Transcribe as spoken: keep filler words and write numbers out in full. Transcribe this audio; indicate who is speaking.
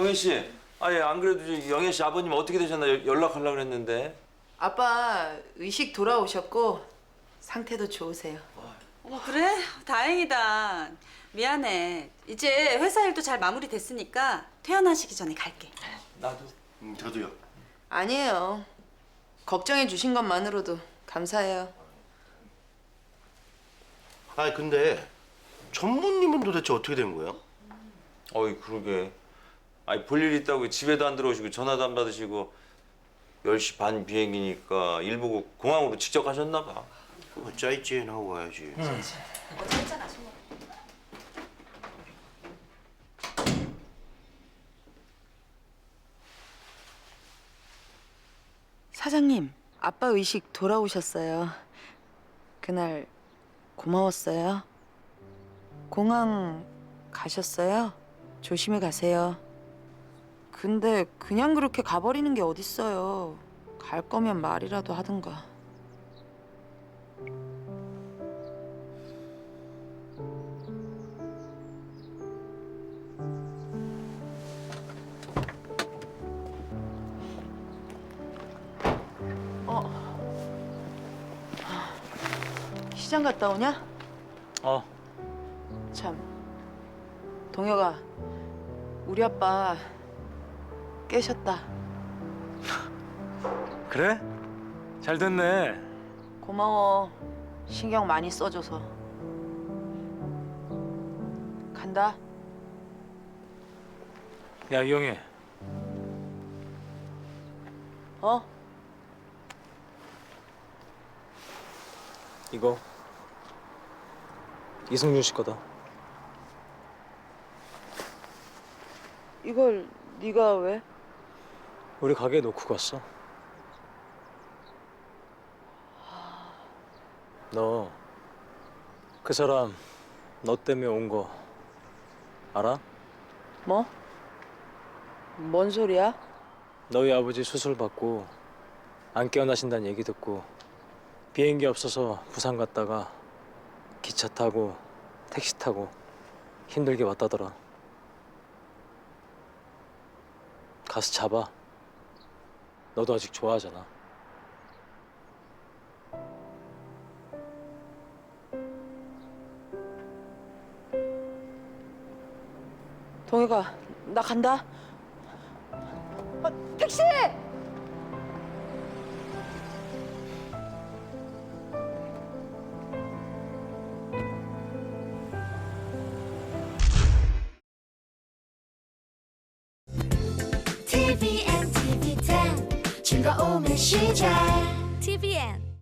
Speaker 1: 영애 씨, 아예 안 그래도 저 영애 씨 아버님 어떻게 되셨나 여- 연락하려고 그랬는데.
Speaker 2: 아빠 의식 돌아오셨고 상태도 좋으세요.
Speaker 3: 어머 그래? 다행이다. 미안해. 이제 회사 일도 잘 마무리됐으니까 퇴원하시기 전에 갈게.
Speaker 1: 나도.
Speaker 4: 음, 저도요.
Speaker 2: 아니에요. 걱정해 주신 것만으로도 감사해요.
Speaker 4: 아 근데 전무님은 도대체 어떻게 된 거예요?
Speaker 1: 어이 그러게. 아니 볼 일 있다고 집에도 안 들어오시고 전화도 안 받으시고 열 시 반 비행기니까 일 보고 공항으로 직접 가셨나 봐.
Speaker 4: 뭐 짜이찌엔 하고 가야지.
Speaker 3: 어제 했잖아, 술 먹고.
Speaker 2: 사장님, 아빠 의식 돌아오셨어요. 그날 고마웠어요. 공항 가셨어요? 조심히 가세요. 근데 그냥 그렇게 가버리는 게 어딨어요. 갈 거면 말이라도 하든가. 어. 시장 갔다 오냐?
Speaker 5: 어.
Speaker 2: 참. 동혁아, 우리 아빠 깨셨다.
Speaker 5: 그래? 잘 됐네.
Speaker 2: 고마워. 신경 많이 써줘서. 간다.
Speaker 5: 야, 이영애.
Speaker 2: 어?
Speaker 5: 이거 이승준 씨 거다.
Speaker 2: 이걸 네가 왜?
Speaker 5: 우리 가게에 놓고 갔어. 너 그 사람 너 때문에 온 거 알아?
Speaker 2: 뭐? 뭔 소리야?
Speaker 5: 너희 아버지 수술 받고 안 깨어나신다는 얘기 듣고 비행기 없어서 부산 갔다가 기차 타고 택시 타고 힘들게 왔다더라. 가서 잡아. 너도 아직 좋아하잖아.
Speaker 2: 동혁아, 나 간다. 어, 택시!
Speaker 6: 티비엔, 티비 텐 즐거움의 시작 티비엔